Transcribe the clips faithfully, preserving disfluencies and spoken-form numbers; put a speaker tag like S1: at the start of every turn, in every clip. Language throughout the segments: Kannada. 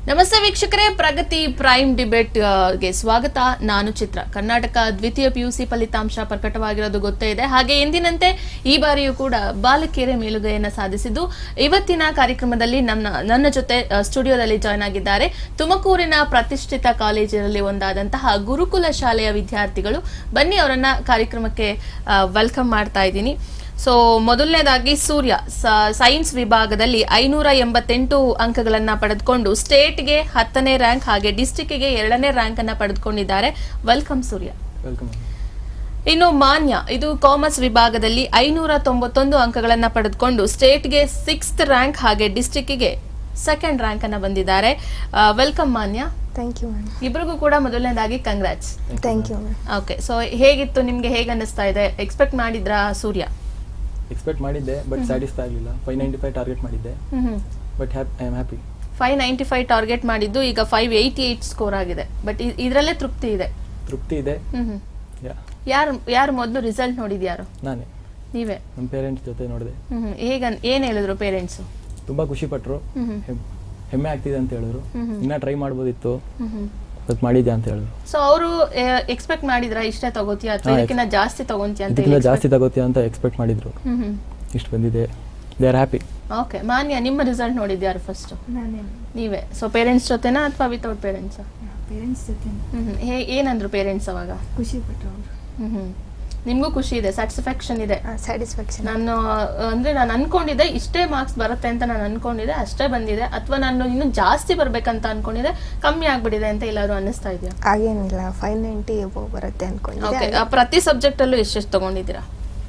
S1: ನಮಸ್ತೆ ವೀಕ್ಷಕರೇ, ಪ್ರಗತಿ ಪ್ರೈಮ್ ಡಿಬೇಟ್ ಗೆ ಸ್ವಾಗತ. ನಾನು ಚಿತ್ರ. ಕರ್ನಾಟಕ ದ್ವಿತೀಯ ಪಿಯುಸಿ ಫಲಿತಾಂಶ ಪ್ರಕಟವಾಗಿರೋದು ಗೊತ್ತೇ ಇದೆ. ಹಾಗೆ ಎಂದಿನಂತೆ ಈ ಬಾರಿಯೂ ಕೂಡ ಬಾಲಕಿಯರೇ ಮೇಲುಗೈಯನ್ನು ಸಾಧಿಸಿದ್ದು. ಇವತ್ತಿನ ಕಾರ್ಯಕ್ರಮದಲ್ಲಿ ನನ್ನ ನನ್ನ ಜೊತೆ ಸ್ಟುಡಿಯೋದಲ್ಲಿ ಜಾಯ್ನ್ ಆಗಿದ್ದಾರೆ ತುಮಕೂರಿನ ಪ್ರತಿಷ್ಠಿತ ಕಾಲೇಜಿನಲ್ಲಿ ಒಂದಾದಂತಹ ಗುರುಕುಲ ಶಾಲೆಯ ವಿದ್ಯಾರ್ಥಿಗಳು. ಬನ್ನಿ ಅವರನ್ನ ಕಾರ್ಯಕ್ರಮಕ್ಕೆ ವೆಲ್ಕಮ್ ಮಾಡ್ತಾ ಇದ್ದೀನಿ. ಸೊ ಮೊದಲನೇದಾಗಿ ಸೂರ್ಯ ಸೈನ್ಸ್ ವಿಭಾಗದಲ್ಲಿ ಐನೂರ ಎಂಬತ್ತೆಂಟು ಅಂಕಗಳನ್ನ ಪಡೆದುಕೊಂಡು ಸ್ಟೇಟ್ಗೆ ಹತ್ತನೇ ರ್ಯಾಂಕ್ ಹಾಗೆ ಡಿಸ್ಟಿಕ್ಗೆ ಎರಡನೇ ರ್ಯಾಂಕ್ ಅನ್ನ ಪಡೆದುಕೊಂಡಿದ್ದಾರೆ. ವೆಲ್ಕಮ್ ಸೂರ್ಯ. ಇನ್ನು ಮಾನ್ಯ ಇದು ಕಾಮರ್ಸ್ ವಿಭಾಗದಲ್ಲಿ ಐನೂರ ತೊಂಬತ್ತೊಂದು ಅಂಕಗಳನ್ನ ಪಡೆದುಕೊಂಡು ಸ್ಟೇಟ್ಗೆ ಸಿಕ್ಸ್ತ್ ರ್ಯಾಂಕ್ ಹಾಗೆ ಡಿಸ್ಟಿಕ್ಗೆ ಸೆಕೆಂಡ್ ರ್ಯಾಂಕ್ ಅನ್ನ ಬಂದಿದ್ದಾರೆ. Welcome Manya.
S2: Thank you ma'am.
S1: ಇಬ್ಬರಿಗೂ ಕೂಡ ಮೊದಲನೇದಾಗಿ congrats.
S2: Thank you ma'am.
S1: Okay, so ಹೇಗಿತ್ತು ನಿಮ್ಗೆ, ಹೇಗೆ ಅನ್ನಿಸ್ತಾ ಇದೆ? ಎಕ್ಸ್ಪೆಕ್ಟ್ ಮಾಡಿದ್ರಾ ಸೂರ್ಯ?
S3: ಎಕ್ಸ್ಪೆಕ್ಟ್ ಮಾಡಿದ್ದೆ, ಬಟ್ ಸ್ಯಾಟಿಸ್ಫೈ ಆಗಲಿಲ್ಲ. ಫೈವ್ ನೈಂಟಿ ಫೈವ್ ಟಾರ್ಗೆಟ್ ಮಾಡಿದ್ದೆ, but I am happy.
S1: Five ninety five target ಮಾಡಿದ್ದು ಈಗ ಫೈವ್ ಏಯ್ಟಿ ಏಟ್ ಸ್ಕೋರ್ ಆಗಿದೆ. ಬಟ್ ಇದರಲ್ಲೇ ತೃಪ್ತಿ ಇದೆ.
S3: ತೃಪ್ತಿ ಇದೆ.
S1: ಯಾರು ಯಾರು ಮೊದಲು ರಿಸಲ್ಟ್ ನೋಡಿದ್ಯಾರು?
S3: ನಾನೇ.
S1: ನೀವೇ?
S3: ನಮ್ಮ ಪೇರೆಂಟ್ಸ್ ಜೊತೆ ನೋಡಿದೆ.
S1: ಹೇಗ ಏನ್ ಹೇಳಿದ್ರು ಪೇರೆಂಟ್ಸ್?
S3: ತುಂಬಾ ಖುಷಿ ಪಟ್ರು, ಹೆಮ್ಮೆ ಆಗ್ತಿದೆ ಅಂತ ಹೇಳಿದ್ರು. ಇನ್ನ ಟ್ರೈ ಮಾಡ್ಬೋದಿತ್ತು, ಬಟ್ ಮಾಡಿದ್ಯಾ ಅಂತ ಹೇಳಿದ್ರು.
S1: ಸೊ ಅವರು ಎಕ್ಸ್ಪೆಕ್ಟ್ ಮಾಡಿದ್ರ ಇಷ್ಟೇ ತಗೋತೀಯ ಅಥವಾ ಇದಕ್ಕಿಂತ ಜಾಸ್ತಿ ತಗೋತೀಯ ಅಂತ?
S3: ಇದಕ್ಕಿಂತ ಜಾಸ್ತಿ ತಗೋತೀಯ ಅಂತ ಎಕ್ಸ್ಪೆಕ್ಟ್ ಮಾಡಿದ್ರು. ಇಷ್ಟು ಬಂದಿದೆ, they are happy.
S1: Okay, Manya ನಿಮ್ಮ ರಿಸಲ್ಟ್ ನೋಡಿದ್ಯಾರು ಫಸ್ಟ್? ನೀವೇ. ಸೊ ಪೇರೆಂಟ್ಸ್ ಜೊತೆನಾ ಅಥವಾ ವಿತೌಟ್ ಪೇರೆಂಟ್ಸ್?
S2: ಪೇರೆಂಟ್ಸ್ ಜೊತೆ.
S1: ಹೇ ಏನಂದ್ರು ಪೇರೆಂಟ್ಸ್ ಅವಾಗ?
S2: ಖುಷಿ ಪಟ್ರು ಅವರು.
S1: ಹ್ಮ್ ನಿಮ್ಗೂ ಖುಷಿ ಇದೆ, ಸ್ಯಾಟಿಸ್ಫ್ಯಾಕ್ಷನ್ ಇದೆ?
S2: ಸ್ಯಾಟಿಸ್ಫ್ಯಾಕ್ಷನ್.
S1: ನಾನು ಅಂದ್ರೆ ನಾನು ಅನ್ಕೊಂಡಿದ್ದೆ ಇಷ್ಟೇ ಮಾರ್ಕ್ಸ್ ಬರುತ್ತೆ ಅಂತ ನಾನು ಅನ್ಕೊಂಡಿದ್ದೆ, ಅಷ್ಟೇ ಬಂದಿದೆ, ಅಥವಾ ನಾನು ಇನ್ನೂ ಜಾಸ್ತಿ ಬರ್ಬೇಕಂತ ಅನ್ಕೊಂಡಿದ್ದೆ, ಕಮ್ಮಿ ಆಗ್ಬಿಟ್ಟಿದೆ ಅಂತ ಎಲ್ಲಾದ್ರು ಅನ್ನಿಸ್ತಾ ಇದೆಯಾ?
S2: ಹಾಗೇನಿಲ್ಲ, ಫೈವ್ ನೈಂಟಿ ಬರುತ್ತೆ ಅನ್ಕೊಂಡಿದ್ದೆ.
S1: ಓಕೆ, ಪ್ರತಿ ಸಬ್ಜೆಕ್ಟ್ ಅಲ್ಲೂ ಎಷ್ಟೆಷ್ಟು ತಗೊಂಡಿದ್ದೀರಾ?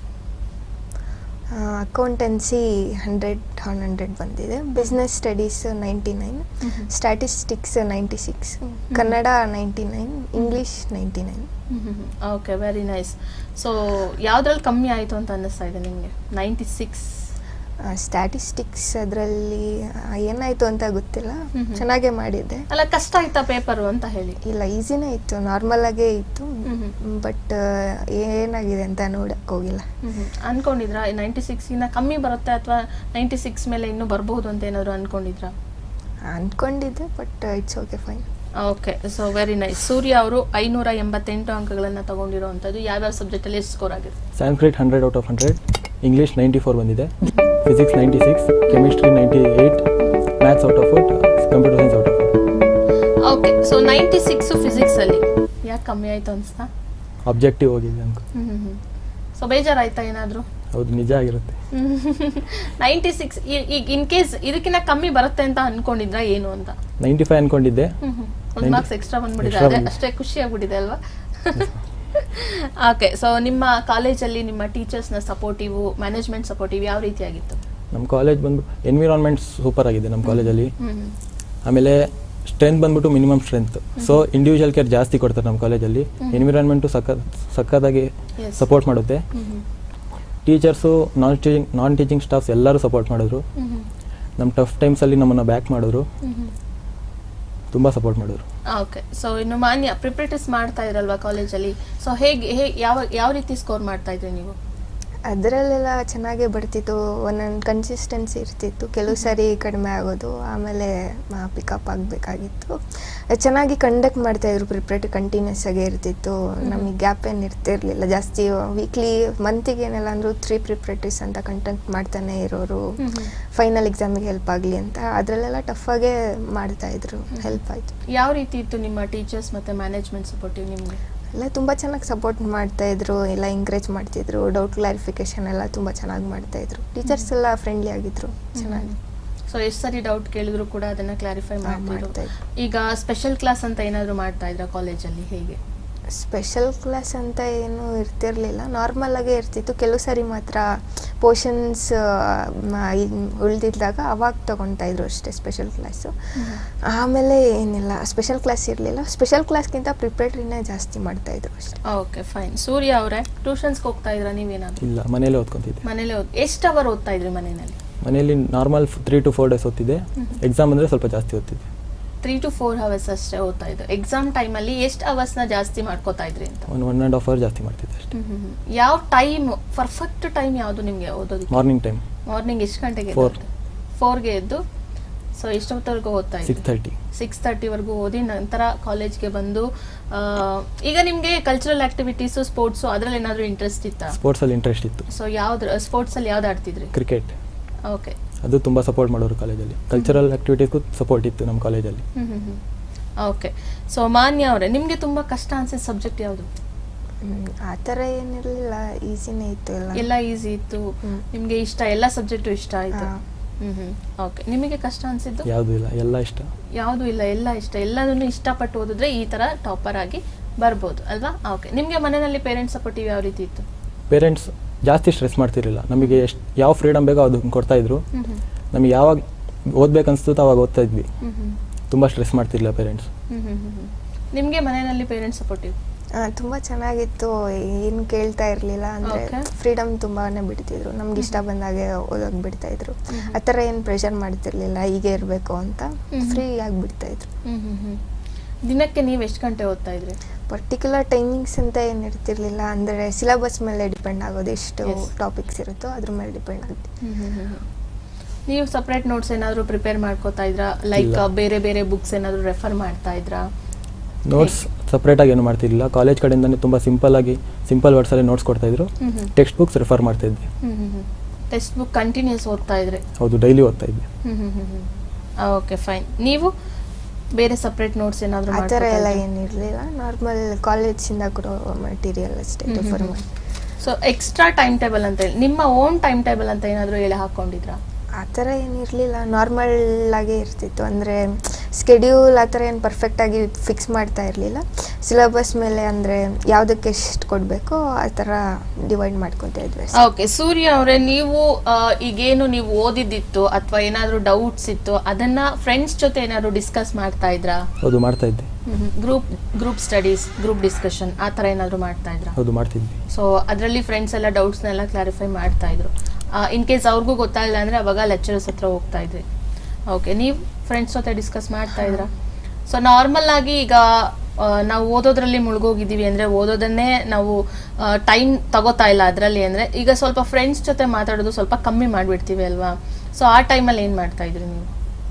S2: ಅಕೌಂಟೆನ್ಸಿ ಹಂಡ್ರೆಡ್ ಆನ್ ಹಂಡ್ರೆಡ್ ಬಂದಿದೆ, business studies ninety nine, statistics ninety six, Kannada ninety nine, English ninety nine.
S1: Okay, very nice. So ಯಾವ್ದ್ರಲ್ಲಿ ಕಮ್ಮಿ ಆಯಿತು ಅಂತ ಅನ್ನಿಸ್ತಾ ಇದೆ ನಿಮಗೆ? ನೈಂಟಿ ಸಿಕ್ಸ್
S2: ಸ್ಟ್ಯಾಟಿಸ್ಟಿಕ್ಸ್ ಅದರಲ್ಲಿ ಏನಾಯ್ತು ಅಂತ ಗೊತ್ತಿಲ್ಲ, ಚೆನ್ನಾಗೇ ಮಾಡಿದ್ದೆ.
S1: ಅಲ್ಲ, ಕಷ್ಟ ಆಯ್ತಾ ಪೇಪರು ಅಂತ ಹೇಳಿ?
S2: ಇಲ್ಲ, ಈಸಿನೇ ಇತ್ತು, ನಾರ್ಮಲ್ ಆಗೇ ಇತ್ತು, ಬಟ್ ಏನಾಗಿದೆ ಅಂತ ನೋಡಕ್ ಹೋಗಿಲ್ಲ.
S1: ಅನ್ಕೊಂಡಿದ್ರಾ ನೈಂಟಿ ಸಿಕ್ಸ್ ಇಂದ ಕಮ್ಮಿ ಬರುತ್ತೆ ಅಥವಾ ನೈಂಟಿ ಸಿಕ್ಸ್ ಮೇಲೆ ಇನ್ನೂ ಬರಬಹುದು ಅಂತ ಏನಾದ್ರು ಅನ್ಕೊಂಡಿದ್ರಾ?
S2: ಅನ್ಕೊಂಡಿದ್ದೆ, but it's okay, fine.
S1: Okay, so very nice. Surya ಅವರು ಐನೂರ ಎಂಬತ್ತೆಂಟು ಅಂಕಗಳನ್ನ ತಗೊಂಡಿರುವಂತದ್ದು. ಯಾವ್ಯಾವ ಸಬ್ಜೆಕ್ಟ್ ಅಲ್ಲಿ ಎಷ್ಟು ಸ್ಕೋರ್ ಆಗಿದೆ?
S3: Sanskrit hundred out of hundred, English ninety four ಬಂದಿದೆ, physics ninety six, chemistry ninety eight, maths out of four, computer science out of four.
S1: Okay, so ninety six physics ಅಲ್ಲಿ ಯಾಕೆ ಕಮ್ಮಿ ಆಯ್ತು ಅನ್ಸ್ತಾ?
S3: ಆಬ್ಜೆಕ್ಟಿವ್ ಹೋಗಿದೆ ಅಂಕ.
S1: ಸೊ ಬೇಜಾರಾಯ್ತಾ ಏನಾದ್ರು?
S3: ಹೌದು, ನಿಜ ಆಗಿರುತ್ತೆ.
S1: ನೈಂಟಿ ಸಿಕ್ಸ್ ಈಗ ಇನ್ ಕೇಸ್ ಇದಕ್ಕಿಂತ ಕಮ್ಮಿ ಬರುತ್ತೆ ಅಂತ ಅನ್ಕೊಂಡಿದ್ರ ಏನು ಅಂತ?
S3: ನೈಂಟಿ ಫೈವ್ ಅನ್ಕೊಂಡಿದ್ದೆ,
S1: ಒಂದು ಮಾರ್ಕ್ಸ್ ಎಕ್ಸ್ಟ್ರಾ ಬಂದ್ಬಿಟ್ಟಿದೆ, ಅದೇ ಅಷ್ಟೇ ಖುಷಿ ಆಗ್ಬಿಟ್ಟಿದೆ ಅಲ್ವಾ? ಓಕೆ, ಸೊ ನಿಮ್ಮ ಕಾಲೇಜಲ್ಲಿ ನಿಮ್ಮ ಟೀಚರ್ಸ್ನ ಸಪೋರ್ಟಿವ್, ಮ್ಯಾನೇಜ್ಮೆಂಟ್ ಸಪೋರ್ಟಿವ್ ಯಾವ ರೀತಿಯಾಗಿತ್ತು?
S3: ನಮ್ಮ ಕಾಲೇಜ್ ಬಂದ್ಬಿಟ್ಟು ಎನ್ವಿರಾನ್ಮೆಂಟ್ ಸೂಪರ್ ಆಗಿದೆ ನಮ್ಮ ಕಾಲೇಜಲ್ಲಿ. ಆಮೇಲೆ ಸ್ಟ್ರೆಂತ್ ಬಂದ್ಬಿಟ್ಟು minimum strength, so individual care ಜಾಸ್ತಿ ಕೊಡ್ತಾರೆ ನಮ್ಮ ಕಾಲೇಜಲ್ಲಿ. ಎನ್ವಿರಾನ್ಮೆಂಟು ಸಕ್ಕ ಸಕ್ಕದಾಗಿ ಸಪೋರ್ಟ್ ಮಾಡುತ್ತೆ. Teachers, non teaching non teaching staffs ಎಲ್ಲರೂ ಸಪೋರ್ಟ್ ಮಾಡಿದ್ರು. ನಮ್ಮ ಟಫ್ ಟೈಮ್ಸಲ್ಲಿ ನಮ್ಮನ್ನು ಬ್ಯಾಕ್ ಮಾಡಿದ್ರು, ತುಂಬ ಸಪೋರ್ಟ್ ಮಾಡಿದ್ರು.
S1: ಓಕೆ, ಸೊ ಇನ್ನು ಮಾನ್ಯ ಪ್ರಿಪರೇಟರ್ಸ್ ಮಾಡ್ತಾ ಇರಲ್ವಾ ಕಾಲೇಜಲ್ಲಿ? ಸೊ ಹೇಗೆ ಹೇಗೆ ಯಾವ ಯಾವ ರೀತಿ ಸ್ಕೋರ್ ಮಾಡ್ತಾ ಇದ್ರಿ ನೀವು?
S2: ಅದರಲ್ಲೆಲ್ಲ ಚೆನ್ನಾಗೇ ಬರ್ತಿತ್ತು, ಒಂದೊಂದು ಕನ್ಸಿಸ್ಟೆನ್ಸಿ ಇರ್ತಿತ್ತು, ಕೆಲವು ಸಾರಿ ಕಡಿಮೆ ಆಗೋದು, ಆಮೇಲೆ ಪಿಕಪ್ ಆಗಬೇಕಾಗಿತ್ತು. ಚೆನ್ನಾಗಿ ಕಂಡಕ್ಟ್ ಮಾಡ್ತಾಯಿದ್ರು, ಪ್ರಿಪ್ರೇಟ್ ಕಂಟಿನ್ಯೂಸ್ ಆಗೇ ಇರ್ತಿತ್ತು, ನಮಗೆ ಗ್ಯಾಪ್ ಏನು ಇರ್ತಿರ್ಲಿಲ್ಲ ಜಾಸ್ತಿ. ವೀಕ್ಲಿ ಮಂತಿಗೆ ಏನೆಲ್ಲ ಅಂದರೂ ತ್ರೀ ಪ್ರಿಪ್ರೇಟರ್ಸ್ ಅಂತ ಕಂಟೆಂಟ್ ಮಾಡ್ತಾನೆ ಇರೋರು, ಫೈನಲ್ ಎಕ್ಸಾಮಿಗೆ ಹೆಲ್ಪ್ ಆಗಲಿ ಅಂತ. ಅದರಲ್ಲೆಲ್ಲ ಟಫಾಗೇ ಮಾಡ್ತಾಯಿದ್ರು, ಹೆಲ್ಪ್ ಆಯಿತು.
S1: ಯಾವ ರೀತಿ ಇತ್ತು ನಿಮ್ಮ ಟೀಚರ್ಸ್ ಮತ್ತು ಮ್ಯಾನೇಜ್ಮೆಂಟ್ ಸಪೋರ್ಟಿವ್ ನಿಮಗೆ?
S2: ಎಲ್ಲ ತುಂಬ ಚೆನ್ನಾಗಿ ಸಪೋರ್ಟ್ ಮಾಡ್ತಾಯಿದ್ರು, ಎಲ್ಲ ಎಂಕರೇಜ್ ಮಾಡ್ತಿದ್ರು, ಡೌಟ್ ಕ್ಲಾರಿಫಿಕೇಶನ್ ಎಲ್ಲ ತುಂಬ ಚೆನ್ನಾಗಿ ಮಾಡ್ತಾಯಿದ್ರು. ಟೀಚರ್ಸ್ ಎಲ್ಲ ಫ್ರೆಂಡ್ಲಿ ಆಗಿದ್ರು, ಚೆನ್ನಾಗಿ.
S1: ಸೊ ಎಷ್ಟು ಸರಿ ಡೌಟ್ ಕೇಳಿದ್ರು ಕೂಡ ಅದನ್ನು ಕ್ಲಾರಿಫೈ ಮಾಡ್ತಾ. ಈಗ ಸ್ಪೆಷಲ್ ಕ್ಲಾಸ್ ಅಂತ ಏನಾದರೂ ಮಾಡ್ತಾ ಇದ್ರಾ ಕಾಲೇಜಲ್ಲಿ? ಹೇಗೆ?
S2: ಸ್ಪೆಷಲ್ ಕ್ಲಾಸ್ ಅಂತ ಏನೂ ಇರ್ತಿರ್ಲಿಲ್ಲ, ನಾರ್ಮಲ್ ಆಗೇ ಇರ್ತಿತ್ತು. ಕೆಲವು ಸಾರಿ ಮಾತ್ರ ಪೋರ್ಷನ್ಸ್ ಉಳಿದಿದ್ದಾಗ ಅವಾಗ ತೊಗೊತಾ ಇದ್ರು ಅಷ್ಟೇ ಸ್ಪೆಷಲ್ ಕ್ಲಾಸು. ಆಮೇಲೆ ಏನಿಲ್ಲ, ಸ್ಪೆಷಲ್ ಕ್ಲಾಸ್ ಇರಲಿಲ್ಲ. ಸ್ಪೆಷಲ್ ಕ್ಲಾಸ್ಗಿಂತ ಪ್ರಿಪ್ರೇಟರಿನೇ ಜಾಸ್ತಿ ಮಾಡ್ತಾಯಿದ್ರು ಅಷ್ಟೇ.
S1: Okay, fine. ಸೂರ್ಯ ಅವರೇ, ಟ್ಯೂಷನ್ಸ್ಗೆ ಹೋಗ್ತಾ ಇದ್ರಾ ನೀವೇನಾದ್ರು?
S3: ಇಲ್ಲ, ಮನೇಲೆ ಓದ್ಕೊತಿದ್ದೆ.
S1: ಮನೇಲೆ ಓದ್ ಎಷ್ಟು ಅವರ್ ಓದ್ತಾ ಇದ್ರಿ ಮನೆಯಲ್ಲಿ?
S3: ಮನೆಯಲ್ಲಿ normal three to four days ಓದ್ತಿದ್ದೆ, ಎಕ್ಸಾಮ್ ಅಂದರೆ ಸ್ವಲ್ಪ ಜಾಸ್ತಿ ಓದ್ತಿದ್ದೆ.
S1: ತ್ರೀ ಟು ಫೋರ್ ಅವರ್ಸ್ ಅಷ್ಟೇ ಓದ್ತಾ ಇದ್ದು. ಎಕ್ಸಾಮ್ ಟೈಮಲ್ಲಿ ಎಷ್ಟು ಅವರ್ಸ್ನ ಜಾಸ್ತಿ ಮಾಡ್ಕೋತಾ ಇದ್ರಿ ಅಂತ?
S3: ಒಂದು ಒನ್ ಆ್ಯಂಡ್ ಹಾಫ್ ಅವರ್ ಜಾಸ್ತಿ ಮಾಡ್ತಿದ್ದೆ ಅಷ್ಟೇ.
S1: ಯಾವ ಟೈಮ್ ಪರ್ಫೆಕ್ಟ್ ಟೈಮ್ ಯಾವುದು ನಿಮಗೆ ಓದೋದಕ್ಕೆ?
S3: Morning time.
S1: ಮಾರ್ನಿಂಗ್ ಎಷ್ಟು ಗಂಟೆಗೆ?
S3: ಫೋರ್
S1: ಫೋರ್ಗೆ ಎದ್ದು ಸೊ ಎಷ್ಟೊತ್ತವರೆಗೂ ಓದ್ತಾ
S3: ಸಿಕ್ಸ್
S1: ಇದ್ರಿ?
S3: ತರ್ಟಿ
S1: ಸಿಕ್ಸ್ ತರ್ಟಿವರೆಗೂ ಓದಿ ನಂತರ ಕಾಲೇಜ್ಗೆ ಬಂದು ಆ, ಈಗ ನಿಮಗೆ ಕಲ್ಚರಲ್ ಆಕ್ಟಿವಿಟೀಸು ಸ್ಪೋರ್ಟ್ಸು ಅದರಲ್ಲಿ ಏನಾದರೂ ಇಂಟ್ರೆಸ್ಟ್ ಇತ್ತಾ?
S3: ಸ್ಪೋರ್ಟ್ಸಲ್ಲಿ ಇಂಟ್ರೆಸ್ಟ್ ಇತ್ತು.
S1: ಸೊ ಯಾವ್ದು ಸ್ಪೋರ್ಟ್ಸಲ್ಲಿ ಯಾವ್ದು ಆಡ್ತಿದ್ರಿ?
S3: Cricket,
S1: okay.
S3: ಅದು ತುಂಬ ಸಪೋರ್ಟ್ ಮಾಡೋರು ಕಾಲೇಜಲ್ಲಿ. ಕಲ್ಚರಲ್ ಆಕ್ಟಿವಿಟೀಸ್ಗೂ ಸಪೋರ್ಟ್ ಇತ್ತು ನಮ್ಮ ಕಾಲೇಜಲ್ಲಿ.
S1: ಹ್ಮ್ ಹ್ಮ್ ಹ್ಮ್ ಓಕೆ. ಸೊ ಮಾನ್ಯ ಅವರೇ, ನಿಮಗೆ ತುಂಬ ಕಷ್ಟ ಅನ್ಸಿದ ಸಬ್ಜೆಕ್ಟ್ ಯಾವುದು?
S2: ಹ್ಮ್, ಆ ಥರ ಏನಿರಲಿಲ್ಲ, ಈಸಿನೇ ಇತ್ತು ಎಲ್ಲ.
S1: ಎಲ್ಲ ಈಸಿ ಇತ್ತು,
S2: ಹ್ಮ್.
S1: ನಿಮಗೆ ಇಷ್ಟ, ಎಲ್ಲ ಸಬ್ಜೆಕ್ಟು ಇಷ್ಟ ಆಯಿತು?
S2: ಹಾ.
S1: Hmm hmm okay. ನಿಮಗೆ ಕಷ್ಟ ಅನ್ಸಿದ್ದು?
S3: ಯಾವುದೂ ಇಲ್ಲ, ಎಲ್ಲ ಇಷ್ಟ.
S1: ಯಾವುದು ಇಲ್ಲ, ಎಲ್ಲ ಇಷ್ಟ. ಎಲ್ಲದನ್ನು ಇಷ್ಟಪಟ್ಟು ಓದಿದ್ರೆ ಈ ಥರ ಟಾಪರ್ ಆಗಿ ಬರ್ಬೋದು ಅಲ್ವಾ? ಓಕೆ. ನಿಮಗೆ ಮನೆಯಲ್ಲಿ ಪೇರೆಂಟ್ಸ್ ಸಪೋರ್ಟಿವ್ ಯಾವ ರೀತಿ ಇತ್ತು?
S3: ಪೇರೆಂಟ್ಸ್ ಜಾಸ್ತಿ ಸ್ಟ್ರೆಸ್ ಮಾಡ್ತಿರಲಿಲ್ಲ. ನಮಗೆ ಎಷ್ಟು ಯಾವ ಫ್ರೀಡಮ್ ಬೇಕೋ ಅದು ಕೊಡ್ತಾಯಿದ್ರು.
S1: ಹ್ಮ್ ಹ್ಮ್
S3: ನಮಗೆ ಯಾವಾಗ ಓದ್ಬೇಕನ್ಸ್ತು ಅವಾಗ ಓದ್ತಾ ಇದ್ವಿ.
S1: ಹ್ಮ್ ಹ್ಮ್
S3: ತುಂಬ ಸ್ಟ್ರೆಸ್ ಮಾಡ್ತಿರಲಿಲ್ಲ ಪೇರೆಂಟ್ಸ್.
S1: ಹ್ಮ್ ಹ್ಮ್ ಹ್ಮ್ ಹ್ಮ್ ನಿಮಗೆ ಮನೆಯಲ್ಲಿ ಪೇರೆಂಟ್ಸ್ ಸಪೋರ್ಟಿವ್?
S2: ಆ, ತುಂಬ ಚೆನ್ನಾಗಿತ್ತು, ಏನು ಕೇಳ್ತಾ ಇರಲಿಲ್ಲ. ಅಂದರೆ
S1: Okay.
S2: ಫ್ರೀಡಮ್ ತುಂಬಾನೇ ಬಿಡ್ತಿದ್ರು, ನಮ್ಗೆ ಇಷ್ಟ ಬಂದಾಗೆ ಓದೋಕೆ ಬಿಡ್ತಾ ಇದ್ರು. ಆ ಥರ ಏನು ಪ್ರೆಷರ್ ಮಾಡ್ತಿರ್ಲಿಲ್ಲ, ಹೀಗೆ ಇರಬೇಕು ಅಂತ.
S1: ಹ್ಮ್.
S2: ಫ್ರೀ ಆಗಿ ಬಿಡ್ತಾ ಇದ್ರು.
S1: ಹ್ಮ್ ಹ್ಮ್ ಹ್ಮ್ ದಿನಕ್ಕೆ ನೀವು ಎಷ್ಟು ಗಂಟೆ ಓದ್ತಾ ಇದ್ರಿ?
S2: ಪರ್ಟಿಕ್ಯುಲರ್ ಟೈಮಿಂಗ್ಸ್ ಅಂತ ಏನು ಇರ್ತಿರ್ಲಿಲ್ಲ. ಅಂದರೆ ಸಿಲೆಬಸ್ ಮೇಲೆ ಡಿಪೆಂಡ್ ಆಗೋದು, ಎಷ್ಟು
S1: Yes.
S2: ಟಾಪಿಕ್ಸ್ ಇರುತ್ತೋ ಅದ್ರ ಮೇಲೆ ಡಿಪೆಂಡ್ ಆಗುತ್ತೆ.
S1: ಹ್ಮ್ ಹ್ಮ್ ಹ್ಮ್ ಹ್ಮ್. ನೀವು ಸಪ್ರೇಟ್ ನೋಟ್ಸ್ ಏನಾದರೂ ಪ್ರಿಪೇರ್ ಮಾಡ್ಕೋತಾ ಇದ್ರಾ? ಲೈಕ್
S3: ಇಲ್ಲ.
S1: ಬೇರೆ ಬೇರೆ ಬುಕ್ಸ್ ಏನಾದರೂ ರೆಫರ್ ಮಾಡ್ತಾ ಇದ್ರಾ?
S3: ನೋಟ್ಸ್ ಸಪ್ರೇಟಾಗಿ ಏನು ಮಾಡ್ತಿರಲಿಲ್ಲ. ಕಾಲೇಜ್ ಕಡೆಯಿಂದನೇ ತುಂಬ ಸಿಂಪಲ್ಲಾಗಿ ಸಿಂಪಲ್ ವರ್ಡ್ಸಲ್ಲಿ ನೋಟ್ಸ್ ಕೊಡ್ತಾಯಿದ್ರು.
S1: Hmm hmm
S3: textbooks refer ಮಾಡ್ತಾ ಇದ್ದೆ.
S1: Hmm hmm hmm textbook continues ಓದ್ತಾ ಇದ್ರಿ?
S3: ಹೌದು, ಡೈಲಿ ಓದ್ತಾ ಇದ್ದೆ.
S1: Hmm hmm hmm hmm okay fine. ನೀವು ಬೇರೆ ಸಪ್ರೇಟ್ ನೋಟ್ಸ್ ಏನಾದರೂ
S2: ಆ ಥರ ಎಲ್ಲ
S1: ಮಾಡ್ತಾ
S2: ಏನಿರಲಿಲ್ಲ, ನಾರ್ಮಲ್ ಕಾಲೇಜಿಂದ ಕೊಡೋ ಮಟೀರಿಯಲ್ ಅಷ್ಟೇ
S1: ಹ್ಮ್ ಹ್ಮ್
S2: ರೆಫರ್
S1: ಹ್ಮ್.
S2: ಮಾಡಿ.
S1: ಸೊ ಎಕ್ಸ್ಟ್ರಾ ಟೈಮ್ ಟೇಬಲ್ ಅಂತ ಹೇಳಿ ನಿಮ್ಮ ಓನ್ ಟೈಮ್ ಟೇಬಲ್ ಅಂತ ಏನಾದರೂ ಹೇಳಿ ಹಾಕೊಂಡಿದ್ರಾ?
S2: ಆ ಥರ ಏನಿರಲಿಲ್ಲ, ನಾರ್ಮಲ್ ಆಗೇ ಇರ್ತಿತ್ತು. ಅಂದರೆ ಸ್ಕೆಡ್ಯೂಲ್ ಆ ಥರ ಏನು ಪರ್ಫೆಕ್ಟಾಗಿ ಫಿಕ್ಸ್ ಮಾಡ್ತಾ ಇರಲಿಲ್ಲ. ಸಿಲೆಬಸ್ ಮೇಲೆ ಅಂದರೆ ಯಾವುದಕ್ಕೆ ಎಷ್ಟು ಕೊಡಬೇಕೋ ಆ ಥರ ಡಿವೈಡ್ ಮಾಡ್ಕೊತಾ ಇದ್ವಿ.
S1: ಓಕೆ. ಸೂರ್ಯ ಅವರೇ, ನೀವು ಆ, ಈಗೇನು ನೀವು ಓದಿದ್ದಿತ್ತು ಅಥವಾ ಏನಾದರೂ ಡೌಟ್ಸ್ ಇತ್ತು ಅದನ್ನ ಫ್ರೆಂಡ್ಸ್ ಜೊತೆ ಏನಾದರೂ ಡಿಸ್ಕಸ್ ಮಾಡ್ತಾ ಇದ್ರಾ?
S3: ಹೌದು, ಮಾಡ್ತಾ ಇದ್ದೆ.
S1: Group group studies, group discussion ಆ ಥರ ಏನಾದರೂ ಮಾಡ್ತಾ ಇದ್ರಾ?
S3: ಹೌದು, ಮಾಡ್ತಿದ್ವಿ.
S1: ಸೊ ಅದರಲ್ಲಿ ಫ್ರೆಂಡ್ಸ್ ಎಲ್ಲ ಡೌಟ್ಸ್ನೆಲ್ಲ ಕ್ಲಾರಿಫೈ ಮಾಡ್ತಾ ಇದ್ರು. ಇನ್ ಕೇಸ್ ಅವ್ರಿಗೂ ಗೊತ್ತಾಗಿಲ್ಲ ಅಂದರೆ ಅವಾಗ ಲೆಕ್ಚರರ್ಸ್ ಹತ್ರ ಹೋಗ್ತಾ ಇದ್ರಿ. ಓಕೆ. ನೀವು ಫ್ರೆಂಡ್ಸ್ ಜೊತೆ ಡಿಸ್ಕಸ್ ಮಾಡ್ತಾ ಇದ್ರಾ? ಸೊ ನಾರ್ಮಲ್ ಆಗಿ ಈಗ ಆ, ನಾವು ಓದೋದ್ರಲ್ಲಿ ಮುಳುಗೋಗಿದ್ದೀವಿ ಅಂದರೆ ಓದೋದನ್ನೇ ನಾವು ಟೈಮ್ ತಗೋತಾ ಇಲ್ಲ ಅದರಲ್ಲಿ ಅಂದರೆ ಈಗ ಸ್ವಲ್ಪ ಫ್ರೆಂಡ್ಸ್ ಜೊತೆ ಮಾತಾಡೋದು ಸ್ವಲ್ಪ ಕಮ್ಮಿ ಮಾಡಿಬಿಡ್ತೀವಿ ಅಲ್ವಾ? ಸೊ ಆ ಟೈಮಲ್ಲಿ ಏನು ಮಾಡ್ತಾ ಇದ್ರಿ ನೀವು?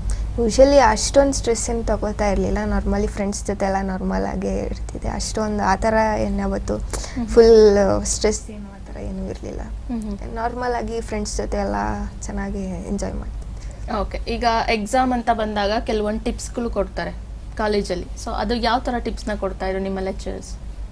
S2: ಯೂಶಲಿ ಅಷ್ಟೊಂದು ಸ್ಟ್ರೆಸ್ ಏನು ತಗೋತಾ ಇರಲಿಲ್ಲ. ನಾರ್ಮಲಿ ಫ್ರೆಂಡ್ಸ್ ಜೊತೆ ಎಲ್ಲ ನಾರ್ಮಲ್ ಆಗೇ ಇರ್ತಿದೆ. ಅಷ್ಟೊಂದು ಆ ಥರ ಏನು ಯಾವತ್ತು ಫುಲ್ ಸ್ಟ್ರೆಸ್ ಏನು ಆ ಥರ ಏನೂ ಇರಲಿಲ್ಲ. ನಾರ್ಮಲ್ ಆಗಿ ಫ್ರೆಂಡ್ಸ್ ಜೊತೆ ಎಲ್ಲ ಚೆನ್ನಾಗಿ ಎಂಜಾಯ್ ಮಾಡ್ತಿದ್ದೆ.
S1: ಓಕೆ. ಈಗ ಎಕ್ಸಾಮ್ ಅಂತ ಬಂದಾಗ ಕೆಲವೊಂದು ಟಿಪ್ಸ್ಗಳು ಕೊಡ್ತಾರೆ ಕಾಲೇಜಲ್ಲಿ. ಸೊ ಅದು ಯಾವ ಥರ ಟಿಪ್ಸ್ನ ಕೊಡ್ತಾ ಇದ್ರು ನಿಮ್ಮ ಲೆಕ್ಚರರ್ಸ್?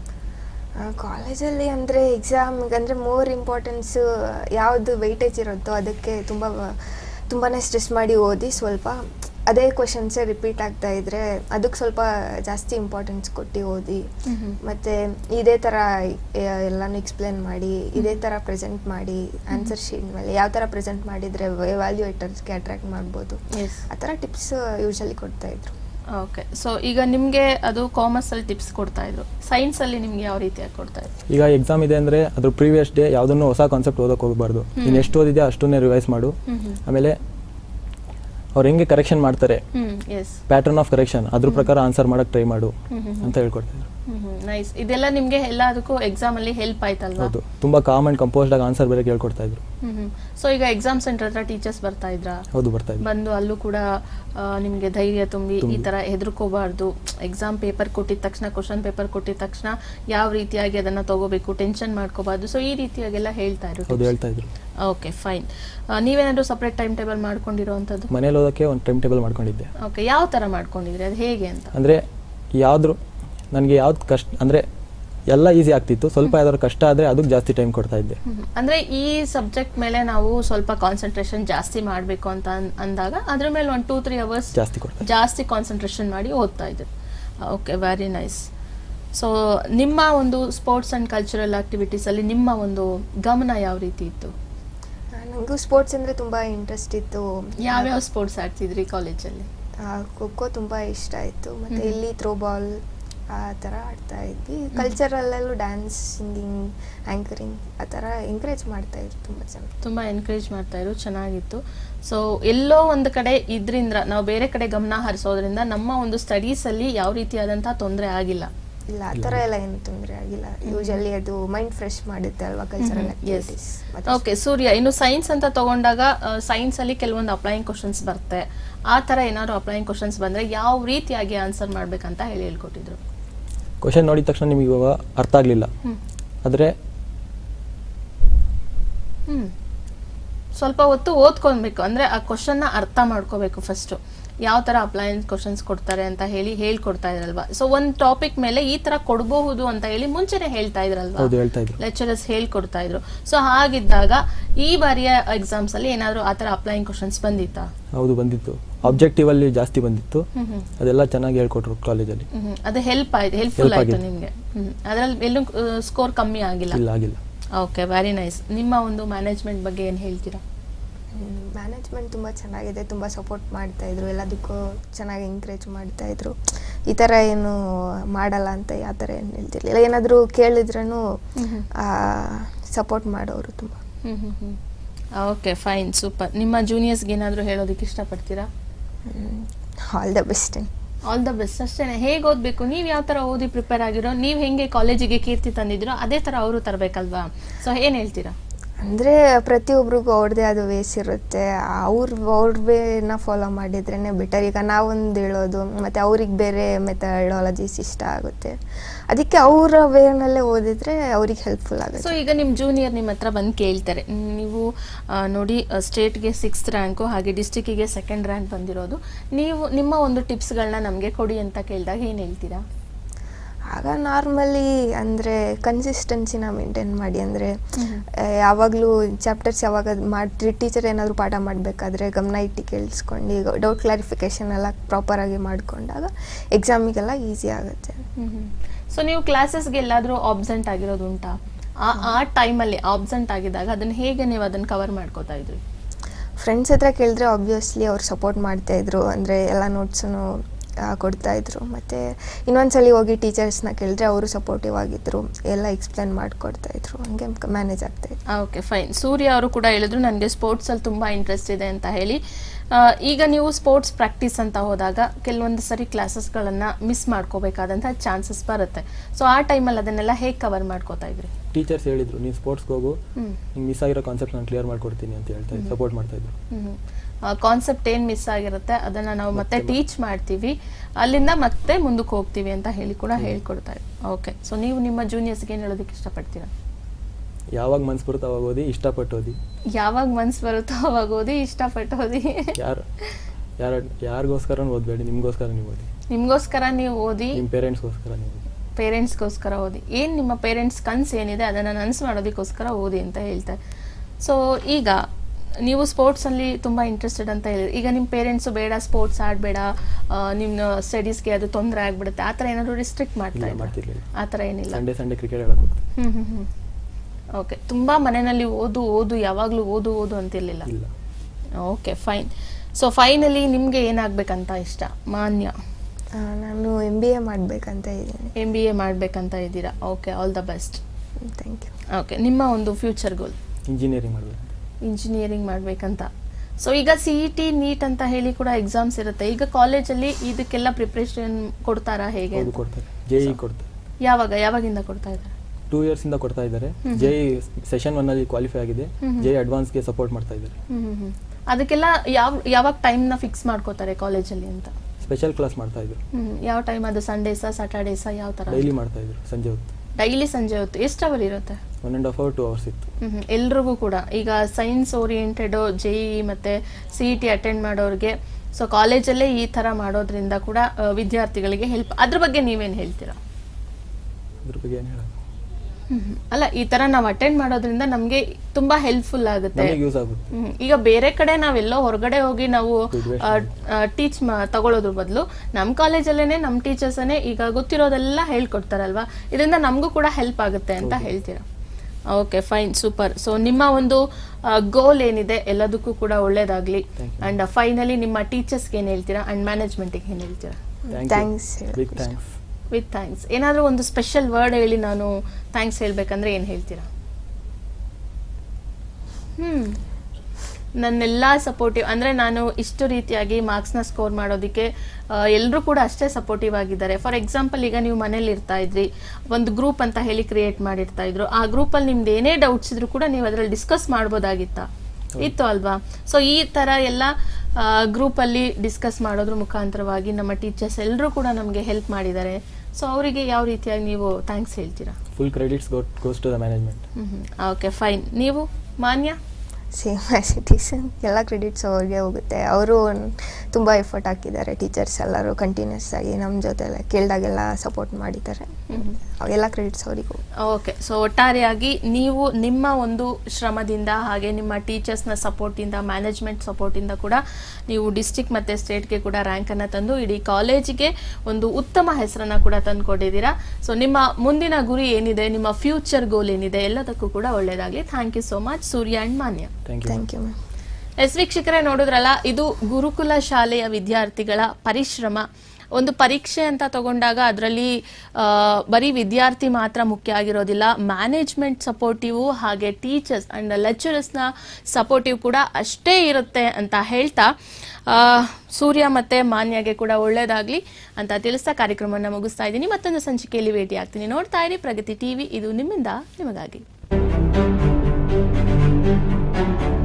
S2: ಕಾಲೇಜಲ್ಲಿ ಅಂದರೆ ಎಕ್ಸಾಮ್ಗೆ ಅಂದರೆ ಮೋರ್ ಇಂಪಾರ್ಟೆನ್ಸು ಯಾವುದು ವೆಯ್ಟೇಜ್ ಇರುತ್ತೋ ಅದಕ್ಕೆ ತುಂಬ ತುಂಬಾ ಸ್ಟ್ರೆಸ್ ಮಾಡಿ ಓದಿ, ಸ್ವಲ್ಪ ಅದೇ ಕ್ವಶನ್ಸೇ ರಿಪೀಟ್ ಆಗ್ತಾ ಇದ್ರೆ ಅದಕ್ಕೆ ಸ್ವಲ್ಪ ಜಾಸ್ತಿ ಇಂಪಾರ್ಟೆನ್ಸ್ ಕೊಟ್ಟು ಓದಿ. ಮತ್ತು ಇದೇ ಥರ ಎಲ್ಲನೂ ಎಕ್ಸ್ಪ್ಲೇನ್ ಮಾಡಿ, ಇದೇ ಥರ ಪ್ರೆಸೆಂಟ್ ಮಾಡಿ, ಆನ್ಸರ್ ಶೀಟ್ ಮೇಲೆ ಯಾವ ಥರ ಪ್ರೆಸೆಂಟ್ ಮಾಡಿದರೆ ವ್ಯಾಲ್ಯೂಯೇಟರ್ಸ್ಗೆ ಅಟ್ರಾಕ್ಟ್ ಮಾಡ್ಬೋದು,
S1: ಎಸ್.
S2: ಆ ಥರ ಟಿಪ್ಸ್ ಯೂಶಲಿ ಕೊಡ್ತಾಯಿದ್ರು.
S1: ಓಕೆ. ಸೊ ಈಗ ನಿಮಗೆ ಅದು ಕಾಮರ್ಸಲ್ಲಿ ಟಿಪ್ಸ್ ಕೊಡ್ತಾ ಇದ್ರು, ಸೈನ್ಸಲ್ಲಿ ನಿಮ್ಗೆ ಯಾವ ರೀತಿಯಾಗಿ ಕೊಡ್ತಾ ಇದ್ರು?
S3: ಈಗ ಎಕ್ಸಾಮ್ ಇದೆ ಅಂದರೆ ಅದ್ರ ಪ್ರೀವಿಯಸ್ ಡೇ ಯಾವುದನ್ನು ಹೊಸ ಕಾನ್ಸೆಪ್ಟ್ ಓದೋಕೆ ಹೋಗಬಾರ್ದು. ನೀನು ಎಷ್ಟು ಓದಿದೆಯಾ ಅಷ್ಟನ್ನೇ ರಿವೈಸ್ ಮಾಡು. ಆಮೇಲೆ ಅವ್ರು ಹೆಂಗೆ ಕರೆಕ್ಷನ್ ಮಾಡ್ತಾರೆ, ಪ್ಯಾಟರ್ನ್ ಆಫ್ ಕರೆಕ್ಷನ್, ಅದ್ರ ಪ್ರಕಾರ ಆನ್ಸರ್ ಮಾಡಕ್ಕೆ ಟ್ರೈ ಮಾಡು ಅಂತ ಹೇಳ್ಕೊಡ್ತಿದ್ರು.
S1: ನೈಸ್. ಇದೆಲ್ಲ ನಿಮಗೆ ಎಲ್ಲದಕ್ಕೂ ಎಕ್ಸಾಮ್ ಅಲ್ಲಿ ಹೆಲ್ಪ್ ಆಯ್ತಲ್ವಾ?
S3: ಹೌದು, ತುಂಬಾ ಕಾಮ್ ಅಂಡ್ ಕಂಪೋಸ್ಡ್ ಆಗಿ ಆನ್ಸರ್ ಬೇರೆ ಹೇಳ್ಕೊಡ್ತಾ ಇದ್ರು.
S1: ಸೊ ಈಗ ಎಕ್ಸಾಮ್ ಸೆಂಟರ್ ಹತ್ರ ಟೀಚರ್ಸ್ ಬರ್ತಾ ಇದ್ರಾ?
S3: ಹೌದು, ಬರ್ತಾ ಇದ್ರು.
S1: ಬಂದು ಅಲ್ಲೂ ಕೂಡ ಆ, ನಿಮ್ಗೆ ಧೈರ್ಯ ತುಂಬಿ ಈ ತರ ಹೆದರ್ಕೋಬಾರ್ದು, ಎಕ್ಸಾಮ್ ಪೇಪರ್ ಕೊಟ್ಟಿದ ತಕ್ಷಣ, ಕ್ವಶನ್ ಪೇಪರ್ ಕೊಟ್ಟಿದ ತಕ್ಷಣ ಯಾವ ರೀತಿಯಾಗಿ ಅದನ್ನ ತಗೋಬೇಕು, ಟೆನ್ಷನ್ ಮಾಡ್ಕೋಬಾರ್ದು, ಸೊ ಈ ರೀತಿಯಾಗೆಲ್ಲ ಹೇಳ್ತಾ ಇದ್ರು.
S3: ಹೌದು, ಹೇಳ್ತಾ ಇದ್ರು.
S1: Okay fine. ನೀವೇನಾದ್ರು ಸಪ್ರೇಟ್ ಟೈಮ್ ಟೇಬಲ್ ಮಾಡ್ಕೊಂಡಿರೋವಂಥದ್ದು?
S3: ಮನೇಲಿ ಓದೋಕ್ಕೆ ಒಂದು ಟೈಮ್ ಟೇಬಲ್ ಮಾಡ್ಕೊಂಡಿದ್ದೆ.
S1: ಓಕೆ. ಯಾವ ತರ ಮಾಡ್ಕೊಂಡಿದ್ರಿ, ಅದು ಹೇಗೆ ಅಂತ?
S3: ಅಂದರೆ ಯಾವ್ದು ನನಗೆ ಯಾವ್ದು ಕಷ್ಟ ಅಂದರೆ ಎಲ್ಲ ಈಸಿ ಆಗ್ತಿತ್ತು, ಸ್ವಲ್ಪ ಯಾವ್ದಾದ್ರು ಕಷ್ಟ ಆದರೆ ಅದಕ್ಕೆ ಜಾಸ್ತಿ ಟೈಮ್ ಕೊಡ್ತಾ ಇದ್ದೆ.
S1: ಅಂದ್ರೆ ಈ ಸಬ್ಜೆಕ್ಟ್ ಮೇಲೆ ನಾವು ಸ್ವಲ್ಪ ಕಾನ್ಸಂಟ್ರೇಷನ್ ಜಾಸ್ತಿ ಮಾಡಬೇಕು ಅಂತ ಅನ್- ಅಂದಾಗ ಅದ್ರ ಮೇಲೆ ಒಂದು ಟೂ ತ್ರೀ ಅವರ್ಸ್
S3: ಜಾಸ್ತಿ ಕೊಡ್ತಾ
S1: ಜಾಸ್ತಿ ಕಾನ್ಸಂಟ್ರೇಷನ್ ಮಾಡಿ ಓದ್ತಾ ಇದ್ರು. Okay, very nice. ಸೊ ನಿಮ್ಮ ಒಂದು ಸ್ಪೋರ್ಟ್ಸ್ ಆ್ಯಂಡ್ ಕಲ್ಚರಲ್ ಆಕ್ಟಿವಿಟೀಸಲ್ಲಿ ನಿಮ್ಮ ಒಂದು ಗಮನ ಯಾವ ರೀತಿ ಇತ್ತು?
S2: ನನಗೂ ಸ್ಪೋರ್ಟ್ಸ್ ಅಂದರೆ ತುಂಬ ಇಂಟ್ರೆಸ್ಟ್ ಇತ್ತು.
S1: ಯಾವ್ಯಾವ ಸ್ಪೋರ್ಟ್ಸ್ ಆಡ್ತಿದ್ರಿ ಕಾಲೇಜಲ್ಲಿ?
S2: ಖೋ ಖೋ ತುಂಬ ಇಷ್ಟ ಆಯಿತು. ಮತ್ತು
S1: ಹ್ಮ್.
S2: ಇಲ್ಲಿ ಥ್ರೋಬಾಲ್ ಆ ಥರ ಆಡ್ತಾ ಇದ್ವಿ. ಕಲ್ಚರಲ್ಲೂ ಡ್ಯಾನ್ಸ್, ಸಿಂಗಿಂಗ್, ಆ್ಯಂಕರಿಂಗ್ ಆ ಥರ ಎಂಕರೇಜ್ ಮಾಡ್ತಾಯಿದ್ರು ತುಂಬ ಚೆನ್ನಾಗಿ.
S1: ತುಂಬ ಎನ್ಕರೇಜ್ ಮಾಡ್ತಾಯಿದ್ರು, ಚೆನ್ನಾಗಿತ್ತು. ಸೊ ಎಲ್ಲೋ ಒಂದು ಕಡೆ ಇದರಿಂದ ನಾವು ಬೇರೆ ಕಡೆ ಗಮನ ಹರಿಸೋದ್ರಿಂದ ನಮ್ಮ ಒಂದು ಸ್ಟಡೀಸಲ್ಲಿ ಯಾವ ರೀತಿಯಾದಂಥ ತೊಂದರೆ ಆಗಿಲ್ಲ
S2: ಇಲ್ಲ ಆ ಥರ ಎಲ್ಲ ಏನು ತೊಂದರೆ ಆಗಿಲ್ಲ. ಯೂಶಲಿ ಅದು ಮೈಂಡ್ ಫ್ರೆಶ್ ಮಾಡುತ್ತೆ ಅಲ್ವಾ ಕಲ್ಚರಲ್ ಆಕ್ಟಿವಿಟೀಸ್.
S1: ಓಕೆ ಸೂರ್ಯ, ಇನ್ನು ಸೈನ್ಸ್ ಅಂತ ತಗೊಂಡಾಗ ಸೈನ್ಸ್ ಅಲ್ಲಿ ಕೆಲವೊಂದು ಅಪ್ಲೈಯಿಂಗ್ ಕ್ವಶನ್ಸ್ ಬರುತ್ತೆ. ಆ ಥರ ಏನಾದ್ರು ಅಪ್ಲೈಯಿಂಗ್ ಕ್ವಶನ್ಸ್ ಬಂದ್ರೆ ಯಾವ ರೀತಿಯಾಗಿ ಆನ್ಸರ್ ಮಾಡ್ಬೇಕಂತ ಹೇಳಿ ಹೇಳ್ಕೊಟ್ಟಿದ್ರು?
S3: ಕ್ವಶನ್ ನೋಡಿದ ತಕ್ಷಣ ನಿಮಗೆ ಇವಾಗ ಅರ್ಥ ಆಗಲಿಲ್ಲ ಆದರೆ
S1: ಹ್ಮ್ ಸ್ವಲ್ಪ ಹೊತ್ತು ಓದ್ಕೊಳ್ಬೇಕು, ಅಂದ್ರೆ ಆ ಕ್ವಶನ್ನ ಅರ್ಥ ಮಾಡ್ಕೋಬೇಕು ಫಸ್ಟ್. ಯಾವ ತರ ಅಪ್ಲೈಯನ್ಸ್ ಕ್ವಶನ್ಸ್ ಕೊಡ್ತಾರೆ ಅಂತ ಹೇಳಿ ಹೇಳ್ಕೊಡ್ತಾ ಇದ್ರಲ್ವಾ. ಸೊ ಒಂದ್ ಟಾಪಿಕ್ ಮೇಲೆ ಈ ತರ ಕೊಡಬಹುದು ಅಂತ ಹೇಳಿ ಮುಂಚೆನೆ ಹೇಳ್ತಾ ಇದ್ರಲ್ವಾ, ಲೆಕ್ಚರರ್ಸ್ ಹೇಳ್ಕೊಡ್ತಾ ಇದ್ರು. ಸೊ ಹಾಗಿದ್ದಾಗ ಈ ಬಾರಿಯ ಎಕ್ಸಾಮ್ಸ್ ಅಲ್ಲಿ ಏನಾದ್ರು ಆ ತರ ಅಪ್ಲೈಯಿಂಗ್ ಕ್ವಶನ್ಸ್ ಬಂದಿತ್ತಾ?
S3: ಹೌದು ಬಂದಿತ್ತು, ಆಬ್ಜೆಕ್ಟಿವ್ ಅಲ್ಲಿ ಜಾಸ್ತಿ ಬಂದಿತ್ತು. ಅದೆಲ್ಲ ಚೆನ್ನಾಗಿ ಹೇಳ್ಕೊಟ್ರು ಕಾಲೇಜಲ್ಲಿ.
S1: ಅದು ಹೆಲ್ಪ್ ಆಯ್ತು, ಹೆಲ್ಪ್ಫುಲ್ ಆಯ್ತು ನಿಮ್ಗೆ? ಅದ್ರಲ್ಲಿ ಎಲ್ಲೂ ಸ್ಕೋರ್ ಕಮ್ಮಿ ಆಗಿಲ್ಲ?
S3: ಇಲ್ಲ ಆಗಿಲ್ಲ.
S1: Okay, very nice. ನಿಮ್ಮ ಒಂದು ಮ್ಯಾನೇಜ್ಮೆಂಟ್ ಬಗ್ಗೆ ಏನು ಹೇಳ್ತೀರಾ?
S2: ಮ್ಯಾನೇಜ್ಮೆಂಟ್ ತುಂಬ ಚೆನ್ನಾಗಿದೆ, ತುಂಬ ಸಪೋರ್ಟ್ ಮಾಡ್ತಾಯಿದ್ರು, ಎಲ್ಲದಕ್ಕೂ ಚೆನ್ನಾಗಿ ಎಂಕರೇಜ್ ಮಾಡ್ತಾಯಿದ್ರು. ಈ ಥರ ಏನು ಮಾಡಲ್ಲ ಅಂತ ಯಾವ ಥರ ಏನು ಹೇಳ್ತಿರ್ಲಿಲ್ಲ. ಏನಾದರೂ ಕೇಳಿದ್ರೂ ಸಪೋರ್ಟ್ ಮಾಡೋರು ತುಂಬ.
S1: ಹ್ಞೂ ಹ್ಞೂ ಹ್ಞೂ ಓಕೆ, ಫೈನ್, ಸೂಪರ್. ನಿಮ್ಮ ಜೂನಿಯರ್ಸ್ಗೆ ಏನಾದರೂ ಹೇಳೋದಕ್ಕೆ ಇಷ್ಟಪಡ್ತೀರಾ?
S2: All the best.
S1: All the best ಅಷ್ಟೇ. ಹೇಗೆ ಓದಬೇಕು, ನೀವು ಯಾವ ಥರ ಓದಿ ಪ್ರಿಪೇರ್ ಆಗಿರೋ, ನೀವು ಹೆಂಗೆ ಕಾಲೇಜಿಗೆ ಕೀರ್ತಿ ತಂದಿದ್ರೋ ಅದೇ ಥರ ಅವರು ತರಬೇಕಲ್ವಾ? ಸೊ ಏನು ಹೇಳ್ತೀರಾ?
S2: ಅಂದರೆ ಪ್ರತಿಯೊಬ್ಬರಿಗೂ ಅವ್ರದ್ದೇ ಆದ ವೇಸ್ ಇರುತ್ತೆ, ಅವ್ರ ಅವ್ರ ವೇನ ಫಾಲೋ ಮಾಡಿದ್ರೇ ಬೆಟರ್. ಈಗ ನಾವೊಂದು ಹೇಳೋದು ಮತ್ತು ಅವ್ರಿಗೆ ಬೇರೆ ಮೆಥಡಾಲಜೀಸ್ ಇಷ್ಟ ಆಗುತ್ತೆ, ಅದಕ್ಕೆ ಅವರ ವೇನಲ್ಲೇ ಓದಿದ್ರೆ ಅವ್ರಿಗೆ ಹೆಲ್ಪ್ಫುಲ್ ಆಗುತ್ತೆ.
S1: ಸೊ ಈಗ ನಿಮ್ಮ ಜೂನಿಯರ್ ನಿಮ್ಮ ಹತ್ರ ಬಂದು ಕೇಳ್ತಾರೆ, ನೀವು ನೋಡಿ ಸ್ಟೇಟ್ಗೆ ಸಿಕ್ಸ್ತ್ ರ್ಯಾಂಕು ಹಾಗೆ ಡಿಸ್ಟಿಕ್ಕಿಗೆ ಸೆಕೆಂಡ್ ರ್ಯಾಂಕ್ ಬಂದಿರೋದು, ನೀವು ನಿಮ್ಮ ಒಂದು ಟಿಪ್ಸ್ಗಳನ್ನ ನಮಗೆ ಕೊಡಿ ಅಂತ ಕೇಳಿದಾಗ ಏನು ಹೇಳ್ತೀರಾ?
S2: ಆಗ ನಾರ್ಮಲಿ ಅಂದರೆ ಕನ್ಸಿಸ್ಟೆನ್ಸಿನ ಮೇಂಟೈನ್ ಮಾಡಿ. ಅಂದರೆ ಯಾವಾಗಲೂ ಚಾಪ್ಟರ್ಸ್ ಯಾವಾಗ ಮಾಡಿ ಟೀಚರ್ ಏನಾದರೂ ಪಾಠ ಮಾಡಬೇಕಾದ್ರೆ ಗಮನ ಇಟ್ಟು ಕೇಳಿಸ್ಕೊಂಡು ಈಗ ಡೌಟ್ ಕ್ಲಾರಿಫಿಕೇಷನ್ ಎಲ್ಲ ಪ್ರಾಪರಾಗಿ ಮಾಡಿಕೊಂಡಾಗ ಎಕ್ಸಾಮಿಗೆಲ್ಲ ಈಸಿ ಆಗುತ್ತೆ.
S1: ಸೊ ನೀವು ಕ್ಲಾಸಸ್ಗೆ ಎಲ್ಲಾದರೂ ಆಬ್ಸೆಂಟ್ ಆಗಿರೋದು ಉಂಟಾ? ಆ ಆ ಟೈಮಲ್ಲಿ ಆಬ್ಸೆಂಟ್ ಆಗಿದ್ದಾಗ ಅದನ್ನು ಹೇಗೆ ನೀವು ಅದನ್ನು ಕವರ್ ಮಾಡ್ಕೋತಾ ಇದ್ರಿ?
S2: ಫ್ರೆಂಡ್ಸ್ ಹತ್ರ ಕೇಳಿದ್ರೆ ಆಬ್ವಿಯಸ್ಲಿ ಅವ್ರು ಸಪೋರ್ಟ್ ಮಾಡ್ತಾಯಿದ್ರು, ಅಂದರೆ ಎಲ್ಲ ನೋಟ್ಸನ್ನು ಕೊಡ್ತಾಯಿದ್ರು. ಮತ್ತು ಇನ್ನೊಂದ್ಸಲಿ ಹೋಗಿ ಟೀಚರ್ಸ್ನ ಕೇಳಿದ್ರೆ ಅವರು ಸಪೋರ್ಟಿವ್ ಆಗಿದ್ದರು, ಎಲ್ಲ ಎಕ್ಸ್ಪ್ಲೇನ್ ಮಾಡಿಕೊಡ್ತಾಯಿದ್ರು, ಹಂಗೆ ಮ್ಯಾನೇಜ್ ಆಗ್ತಾಯಿತ್ತು.
S1: Okay, fine. ಸೂರ್ಯ ಅವರು ಕೂಡ ಹೇಳಿದ್ರು ನನಗೆ ಸ್ಪೋರ್ಟ್ಸಲ್ಲಿ ತುಂಬ ಇಂಟ್ರೆಸ್ಟ್ ಇದೆ ಅಂತ ಹೇಳಿ. ಈಗ ನೀವು ಸ್ಪೋರ್ಟ್ಸ್ ಪ್ರಾಕ್ಟೀಸ್ ಅಂತ ಹೋದಾಗ ಕೆಲವೊಂದು ಸರಿ ಕ್ಲಾಸಸ್ಗಳನ್ನು ಮಿಸ್ ಮಾಡ್ಕೋಬೇಕಾದಂಥ ಚಾನ್ಸಸ್ ಬರುತ್ತೆ. ಸೊ ಆ ಟೈಮಲ್ಲಿ ಅದನ್ನೆಲ್ಲ ಹೇಗೆ ಕವರ್ ಮಾಡ್ಕೋತಾ ಇದ್ರಿ?
S3: ಟೀಚರ್ಸ್ ಹೇಳಿದ್ರು ನೀವು ಸ್ಪೋರ್ಟ್ಸ್ಗೆ ಹೋಗು, ನಿಮ್ಗೆ ಮಿಸ್ ಆಗಿರೋ ಕಾನ್ಸೆಪ್ಟ್ ನಾನು ಕ್ಲಿಯರ್ ಮಾಡ್ಕೊಡ್ತೀನಿ ಅಂತ ಹೇಳ್ತಾ ಇದ್ರು, ಸಪೋರ್ಟ್ ಮಾಡ್ತಾ ಇದ್ರು.
S1: ಕಾನ್ಸೆಪ್ಟ್ ಏನು ಮಿಸ್ ಆಗಿರುತ್ತೆ ಅದನ್ನು ನಾವು ಮತ್ತೆ ಟೀಚ್ ಮಾಡ್ತೀವಿ, ಅಲ್ಲಿಂದ ಮತ್ತೆ ಮುಂದಕ್ಕೆ ಹೋಗ್ತೀವಿ ಅಂತ ಹೇಳಿ ಕೂಡ ಹೇಳ್ಕೊಡ್ತಾರೆ. ಓಕೆ, ಸೊ ನೀವು ನಿಮ್ಮ ಜೂನಿಯರ್ಸ್ಗೆ ಏನು ಹೇಳೋದಕ್ಕೆ ಇಷ್ಟಪಡ್ತೀರಾ?
S3: ಯಾವಾಗ ಮನ್ಸು ಬರುತ್ತೋ ಅವಾಗ ಓದಿ, ಇಷ್ಟಪಟ್ಟು ಓದಿ.
S1: ಯಾವಾಗ ಮನ್ಸು ಬರುತ್ತೋ ಅವಾಗ ಓದಿ, ಇಷ್ಟಪಟ್ಟು ಓದಿ.
S3: ಯಾರು ಯಾರು ಯಾರಿಗೋಸ್ಕರ ಓದಬೇಡಿ, ನಿಮಗೋಸ್ಕರ ನೀವು ಓದಿ.
S1: ನಿಮಗೋಸ್ಕರ ನೀವು ಓದಿ,
S3: ನಿಮ್ಮ ಪೇರೆಂಟ್ಸ್ಗೋಸ್ಕರ ನೀವು ಓದಿ.
S1: ಪೇರೆಂಟ್ಸ್ಗೋಸ್ಕರ ಓದಿ. ಏನು ನಿಮ್ಮ ಪೇರೆಂಟ್ಸ್ ಕನಸು ಏನಿದೆ ಅದನ್ನು ನನಸು ಮಾಡೋದಕ್ಕೋಸ್ಕರ ಓದಿ ಅಂತ ಹೇಳ್ತಾರೆ. ಸೊ ಈಗ ನೀವು ಸ್ಪೋರ್ಟ್ಸಲ್ಲಿ ತುಂಬ ಇಂಟ್ರೆಸ್ಟೆಡ್ ಅಂತ ಹೇಳಿದ್ರಿ. ಈಗ ನಿಮ್ಮ ಪೇರೆಂಟ್ಸು ಬೇಡ ಸ್ಪೋರ್ಟ್ಸ್ ಆಡಬೇಡ, ನಿಮ್ಮ ಸ್ಟಡೀಸ್ಗೆ ಅದು ತೊಂದರೆ ಆಗಿಬಿಡುತ್ತೆ, ಆ ಥರ ಏನಾದರೂ ರಿಸ್ಟ್ರಿಕ್ಟ್ ಮಾಡ್ತಾ
S3: ಮಾಡ್ತಿರ್ಲಿಲ್ಲ?
S1: ಆ ಥರ ಏನಿಲ್ಲ.
S3: ಸಂಡೇ ಸಂಡೇ ಕ್ರಿಕೆಟ್ ಹೇಳೋದು.
S1: ಹ್ಞೂ ಹ್ಞೂ ಹ್ಞೂ ಓಕೆ. ತುಂಬ ಮನೆಯಲ್ಲಿ ಓದು ಓದು ಯಾವಾಗಲೂ ಓದು ಓದು ಅಂತಿರಲಿಲ್ಲ?
S3: ಇಲ್ಲ.
S1: Okay, fine. ಸೊ ಫೈನಲಿ ನಿಮಗೆ ಏನಾಗಬೇಕಂತ ಇಷ್ಟ? ಮಾನ್ಯ,
S2: ನಾನು ಎಮ್ ಬಿ ಎ ಮಾಡಬೇಕಂತ ಇದ್ದೀನಿ.
S1: ಎಮ್ ಬಿ ಎ ಮಾಡಬೇಕಂತ ಇದ್ದೀರಾ? Okay, all the best.
S2: Thank you.
S1: Okay, ನಿಮ್ಮ ಒಂದು ಫ್ಯೂಚರ್ ಗೋಲ್?
S3: ಇಂಜಿನಿಯರಿಂಗ್ ಮಾಡಬೇಕು.
S1: ಇಂಜಿನಿಯರಿಂಗ್ ಮಾಡಬೇಕಂತ. ಸೊ ಈಗ ಸಿ ಇ ಟಿ ನೀಟ್ ಅಂತ ಹೇಳಿ ಕೂಡ ಎಕ್ಸಾಮ್ಸ್ ಇರುತ್ತೆ. ಈಗ ಕಾಲೇಜಲ್ಲಿ ಇದಕ್ಕೆಲ್ಲ ಪ್ರಿಪ್ರೇಷನ್ ಕೊಡ್ತಾರಾ ಹೇಗೆ?
S3: ಕೊಡ್ತಾರೆ, ಜೆಇ ಕೊಡ್ತಾರೆ.
S1: ಯಾವಾಗ ಯಾವಾಗಿಂದ ಕೊಡ್ತಾ ಇದ್ದಾರೆ?
S3: ಟೂ ಇಯರ್ಸ್ ಇಂದ ಕೊಡ್ತಾ ಇದ್ದಾರೆ. ಜೆಇ ಸೆಷನ್ ಒನ್ ಅಲ್ಲಿ ಕ್ವಾಲಿಫೈ ಆಗಿದೆ, ಜೆಇ ಅಡ್ವಾನ್ಸ್ಗೆ ಸಪೋರ್ಟ್ ಮಾಡ್ತಾ ಇದ್ದಾರೆ.
S1: ಅದಕ್ಕೆಲ್ಲ ಯಾವ ಯಾವಾಗ ಟೈಮ್ನ ಫಿಕ್ಸ್ ಮಾಡ್ಕೋತಾರೆ ಕಾಲೇಜಲ್ಲಿ ಅಂತ?
S3: ಸ್ಪೆಷಲ್ ಕ್ಲಾಸ್ ಮಾಡ್ತಾ ಇದ್ರು.
S1: ಯಾವ ಟೈಮ್ ಅದು? ಸಂಡೇಸಾ ಸ್ಯಾಟರ್ಡೇಸಾ ಯಾವ ಥರ?
S3: ಡೈಲಿ ಮಾಡ್ತಾ ಇದ್ರು, ಸಂಜೆ ಹೊತ್ತು.
S1: ಡೈಲಿ ಸಂಜೆ ಹೊತ್ತು ಎಷ್ಟು ಅವರ್ ಇರುತ್ತೆ?
S3: One and half hour two hours ಇತ್ತು.
S1: ಎಲ್ರಿಗೂ ಕೂಡ ಈಗ ಸೈನ್ಸ್ ಓರಿಯೆಂಟೆಡ್ ಜೆಇ ಮತ್ತು ಸಿ ಇ ಟಿ ಅಟೆಂಡ್ ಮಾಡೋರಿಗೆ ಸೊ ಕಾಲೇಜಲ್ಲೇ ಈ ಥರ ಮಾಡೋದ್ರಿಂದ ಕೂಡ ವಿದ್ಯಾರ್ಥಿಗಳಿಗೆ ಹೆಲ್ಪ್. ಅದ್ರ ಬಗ್ಗೆ ನೀವೇನು ಹೇಳ್ತೀರಾ?
S3: ಅದ್ರ ಬಗ್ಗೆ ಏನು ಹೇಳೋದು?
S1: ಅಲ್ಲ, ಈ ತರ ನಾವು ಅಟೆಂಡ್ ಮಾಡೋದ್ರಿಂದ ನಮ್ಗೆ ತುಂಬಾ ಹೆಲ್ಪ್ಫುಲ್ ಆಗುತ್ತೆ.
S3: ಯೂಸ್ ಆಗುತ್ತೆ.
S1: ಈಗ ಬೇರೆ ಕಡೆ ನಾವೆಲ್ಲೋ ಹೊರಗಡೆ ಹೋಗಿ ನಾವು ಟೀಚ್ ತಗೊಳ್ಳೋದ್ರ ಬದಲು ನಮ್ಮ ಕಾಲೇಜಲ್ಲೇನೆ ನಮ್ಮ ಟೀಚರ್ಸನೇ ಈಗ ಗೊತ್ತಿರೋದೆಲ್ಲ ಹೇಳ್ಕೊಡ್ತಾರಲ್ವಾ, ಇದರಿಂದ ನಮಗೂ ಕೂಡ ಹೆಲ್ಪ್ ಆಗುತ್ತೆ ಅಂತ ಹೇಳ್ತೀರಾ? Okay, fine, super. ಸೊ ನಿಮ್ಮ ಒಂದು ಗೋಲ್ ಏನಿದೆ ಎಲ್ಲದಕ್ಕೂ ಕೂಡ ಒಳ್ಳೇದಾಗ್ಲಿ. ಅಂಡ್ ಫೈನಲಿ ನಿಮ್ಮ ಟೀಚರ್ಸ್ಗೆ ಏನು ಹೇಳ್ತೀರಾ ಅಂಡ್ ಮ್ಯಾನೇಜ್ಮೆಂಟಿಗೆ ಏನು ಹೇಳ್ತೀರಾ?
S2: Thanks.
S3: Big thanks.
S1: With thanks. ಏನಾದರೂ ಒಂದು ಸ್ಪೆಷಲ್ ವರ್ಡ್ ಹೇಳಿ ನಾನು ಥ್ಯಾಂಕ್ಸ್ ಹೇಳ್ಬೇಕಂದ್ರೆ ಏನು ಹೇಳ್ತೀರಾ? ಹ್ಮ್ ನನ್ನೆಲ್ಲ ಸಪೋರ್ಟಿವ್ ಅಂದರೆ ನಾನು ಇಷ್ಟು ರೀತಿಯಾಗಿ ಮಾರ್ಕ್ಸ್ನ ಸ್ಕೋರ್ ಮಾಡೋದಕ್ಕೆ ಎಲ್ಲರೂ ಕೂಡ ಅಷ್ಟೇ ಸಪೋರ್ಟಿವ್ ಆಗಿದ್ದಾರೆ. ಫಾರ್ ಎಕ್ಸಾಂಪಲ್ ಈಗ ನೀವು ಮನೇಲಿ ಇರ್ತಾ ಇದ್ರಿ, ಒಂದು ಗ್ರೂಪ್ ಅಂತ ಹೇಳಿ ಕ್ರಿಯೇಟ್ ಮಾಡಿರ್ತಾ ಇದ್ರು, ಆ ಗ್ರೂಪಲ್ಲಿ ನಿಮ್ದು ಏನೇ ಡೌಟ್ಸ್ ಇದ್ರು ಕೂಡ ನೀವು ಅದರಲ್ಲಿ ಡಿಸ್ಕಸ್ ಮಾಡ್ಬೋದಾಗಿತ್ತಾ? ಇತ್ತು ಅಲ್ವಾ? ಸೊ ಈ ಥರ ಎಲ್ಲ ಗ್ರೂಪಲ್ಲಿ ಡಿಸ್ಕಸ್ ಮಾಡೋದ್ರ ಮುಖಾಂತರವಾಗಿ ನಮ್ಮ ಟೀಚರ್ಸ್ ಎಲ್ಲರೂ ಕೂಡ ನಮಗೆ ಹೆಲ್ಪ್ ಮಾಡಿದ್ದಾರೆ. ಸೊ ಅವರಿಗೆ ಯಾವ ರೀತಿಯಾಗಿ ನೀವು ಥ್ಯಾಂಕ್ಸ್ ಹೇಳ್ತೀರಾ?
S3: Full credits goes to the management.
S1: Okay fine. ನೀವು Manya?
S2: Same as it is, ಎಲ್ಲ ಕ್ರೆಡಿಟ್ಸ್ ಅವ್ರಿಗೆ ಹೋಗುತ್ತೆ. ಅವರು ತುಂಬ ಎಫರ್ಟ್ ಹಾಕಿದ್ದಾರೆ. ಟೀಚರ್ಸ್ ಎಲ್ಲರೂ ಕಂಟಿನ್ಯೂಸ್ ಆಗಿ ನಮ್ಮ ಜೊತೆ ಕೇಳಿದಾಗೆಲ್ಲ ಸಪೋರ್ಟ್ ಮಾಡಿದ್ದಾರೆ. ಅವೆಲ್ಲ ಕ್ರೆಡಿಟ್ಸ್ ಅವರಿಗೂ.
S1: ಓಕೆ, ಸೊ ಒಟ್ಟಾರೆಯಾಗಿ ನೀವು ನಿಮ್ಮ ಒಂದು ಶ್ರಮದಿಂದ ಹಾಗೆ ನಿಮ್ಮ ಟೀಚರ್ಸ್ನ ಸಪೋರ್ಟಿಂದ, ಮ್ಯಾನೇಜ್ಮೆಂಟ್ ಸಪೋರ್ಟಿಂದ ಕೂಡ ನೀವು ಡಿಸ್ಟಿಕ್ ಮತ್ತು ಸ್ಟೇಟ್ಗೆ ಕೂಡ ರ್ಯಾಂಕನ್ನು ತಂದು ಇಡೀ ಕಾಲೇಜಿಗೆ ಒಂದು ಉತ್ತಮ ಹೆಸರನ್ನು ಕೂಡ ತಂದುಕೊಟ್ಟಿದ್ದೀರಾ. ಸೊ ನಿಮ್ಮ ಮುಂದಿನ ಗುರಿ ಏನಿದೆ, ನಿಮ್ಮ ಫ್ಯೂಚರ್ ಗೋಲ್ ಏನಿದೆ, ಎಲ್ಲದಕ್ಕೂ ಕೂಡ ಒಳ್ಳೆಯದಾಗಲಿ. Thank you so much Surya and Manya.
S3: Thank you.
S2: Thank you ma'am.
S1: Yes ವೀಕ್ಷಕರೇ, ನೋಡಿದ್ರಲ್ಲ, ಇದು ಗುರುಕುಲ ಶಾಲೆಯ ವಿದ್ಯಾರ್ಥಿಗಳ ಪರಿಶ್ರಮ. ಒಂದು ಪರೀಕ್ಷೆ ಅಂತ ತಗೊಂಡಾಗ ಅದರಲ್ಲಿ ಬರೀ ವಿದ್ಯಾರ್ಥಿ ಮಾತ್ರ ಮುಖ್ಯ ಆಗಿರೋದಿಲ್ಲ, ಮ್ಯಾನೇಜ್ಮೆಂಟ್ ಸಪೋರ್ಟಿವ್ ಹಾಗೆ ಟೀಚರ್ಸ್ ಆ್ಯಂಡ್ ಲೆಕ್ಚರರ್ಸ್ನ ಸಪೋರ್ಟಿವ್ ಕೂಡ ಅಷ್ಟೇ ಇರುತ್ತೆ ಅಂತ ಹೇಳ್ತಾ ಸೂರ್ಯ ಮತ್ತು ಮಾನ್ಯಗೆ ಕೂಡ ಒಳ್ಳೆಯದಾಗಲಿ ಅಂತ ತಿಳಿಸ್ತಾ ಕಾರ್ಯಕ್ರಮವನ್ನು ಮುಗಿಸ್ತಾ ಇದ್ದೀನಿ. ಮತ್ತೊಂದು ಸಂಚಿಕೆಯಲ್ಲಿ ಭೇಟಿ ಆಗ್ತೀನಿ. ನೋಡ್ತಾ ಇರಿ ಪ್ರಗತಿ ಟಿವಿ, ಇದು ನಿಮ್ಮಿಂದ ನಿಮಗಾಗಿ.